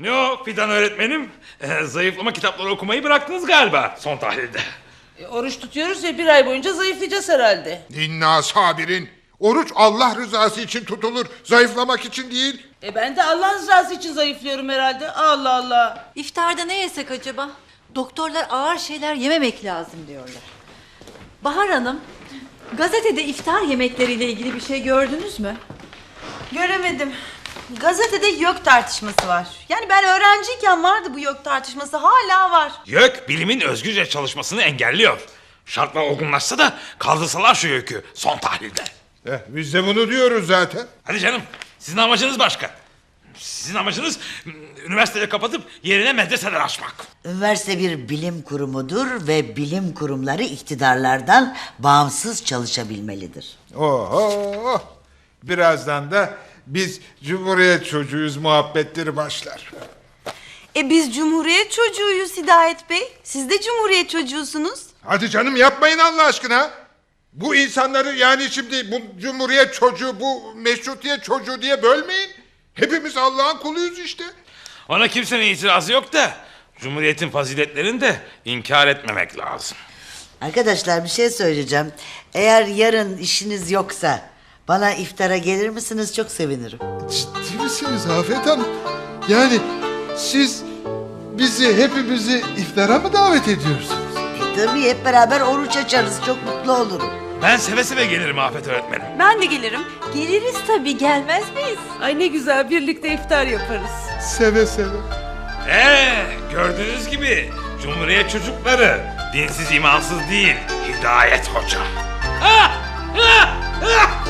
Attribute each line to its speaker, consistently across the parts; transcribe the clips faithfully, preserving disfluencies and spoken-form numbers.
Speaker 1: Ne o Fidan öğretmenim? Ee, zayıflama kitapları okumayı bıraktınız galiba son tahlilde.
Speaker 2: E, oruç tutuyoruz ya, bir ay boyunca zayıflayacağız herhalde.
Speaker 3: İnna sabirin. Oruç Allah rızası için tutulur. Zayıflamak için değil.
Speaker 2: E ben de Allah rızası için zayıflıyorum herhalde. Allah Allah.
Speaker 4: İftarda ne yesek acaba? Doktorlar ağır şeyler yememek lazım diyorlar. Bahar Hanım, gazetede iftar yemekleriyle ilgili bir şey gördünüz mü?
Speaker 5: Göremedim. Gazetede YÖK tartışması var. Yani ben öğrenciyken vardı bu YÖK tartışması, hala var.
Speaker 1: YÖK bilimin özgürce çalışmasını engelliyor. Şartlar olgunlaşsa da kaldırsalar şu YÖK'ü son tahlilde.
Speaker 3: Eh, biz de bunu diyoruz zaten.
Speaker 1: Hadi canım, sizin amacınız başka. Sizin amacınız üniversiteleri kapatıp yerine medreseler açmak.
Speaker 6: Üniversite bir bilim kurumudur ve bilim kurumları iktidarlardan bağımsız çalışabilmelidir.
Speaker 3: Oho! Birazdan da biz Cumhuriyet çocuğuyuz muhabbetleri başlar.
Speaker 5: E biz Cumhuriyet çocuğuyuz Hidayet Bey. Siz de Cumhuriyet çocuğusunuz.
Speaker 3: Hadi canım yapmayın Allah aşkına. Bu insanları yani şimdi bu Cumhuriyet çocuğu, bu meşrutiyet çocuğu diye bölmeyin. Hepimiz Allah'ın kuluyuz işte.
Speaker 1: Ona kimsenin itirazı yok da Cumhuriyet'in faziletlerini de inkar etmemek lazım.
Speaker 6: Arkadaşlar bir şey söyleyeceğim. Eğer yarın işiniz yoksa bana iftara gelir misiniz? Çok sevinirim.
Speaker 3: Ciddi misiniz Afet Hanım? Yani siz bizi, hepimizi iftara mı davet ediyorsunuz?
Speaker 6: E, tabii hep beraber oruç açarız. Çok mutlu olurum.
Speaker 1: Ben seve seve gelirim Afet öğretmenim.
Speaker 5: Ben de gelirim.
Speaker 4: Geliriz tabii, gelmez miyiz?
Speaker 2: Ay ne güzel, birlikte iftar yaparız.
Speaker 3: Seve seve.
Speaker 1: Ee, gördüğünüz gibi Cumhuriyet çocukları dinsiz imansız değil, Hidayet Hoca. Ah! Ah! Ah!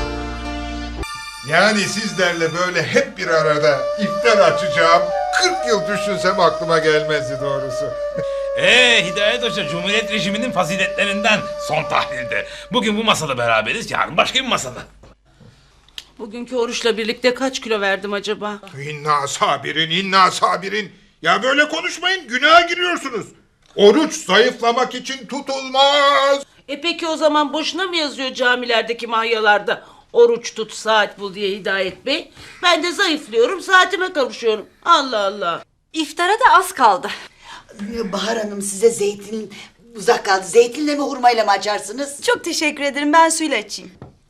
Speaker 3: Yani sizlerle böyle hep bir arada iftar açacağım kırk yıl düşünsem aklıma gelmezdi doğrusu.
Speaker 1: Ee, Hidayet Hoca Cumhuriyet rejiminin faziletlerinden son tahlilde. Bugün bu masada beraberiz, yarın başka bir masada.
Speaker 2: Bugünkü oruçla birlikte kaç kilo verdim acaba?
Speaker 3: İnna sabirin, inna sabirin. Ya böyle konuşmayın, günaha giriyorsunuz. Oruç zayıflamak için tutulmaz.
Speaker 2: E peki o zaman boşuna mı yazıyor camilerdeki mahyalarda? Oruç tut, saat bul diye Hidayet Bey. Ben de zayıflıyorum, saatime kavuşuyorum. Allah Allah.
Speaker 4: İftara da az kaldı.
Speaker 6: Bahar Hanım size zeytin uzak kaldı. Zeytinle mi hurmayla mı açarsınız?
Speaker 5: Çok teşekkür ederim, ben suyla açayım.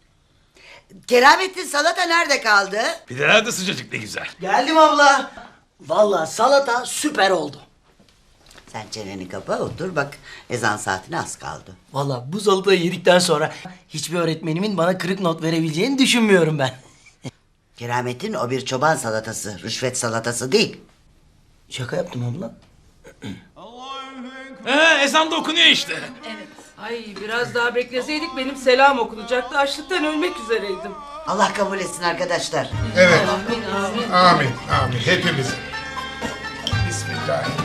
Speaker 6: Keramettin salata nerede kaldı?
Speaker 1: Pideler de sıcacık ne güzel.
Speaker 7: Geldim abla. Vallahi salata süper oldu.
Speaker 6: Sen çeneni kapa otur bak, ezan saatine az kaldı.
Speaker 7: Vallahi bu salatayı yedikten sonra hiçbir öğretmenimin bana kırık not verebileceğini düşünmüyorum ben.
Speaker 6: Keramettin o bir çoban salatası, rüşvet salatası değil.
Speaker 7: Şaka yaptım abla.
Speaker 1: Ee, ezan da okunuyor işte.
Speaker 2: Ay biraz daha bekleseydik benim selam okunacaktı. Açlıktan ölmek üzereydim.
Speaker 6: Allah kabul etsin arkadaşlar.
Speaker 3: Evet,
Speaker 2: Amin amin.
Speaker 3: amin, amin hepimiz. Bismillahirrahmanirrahim.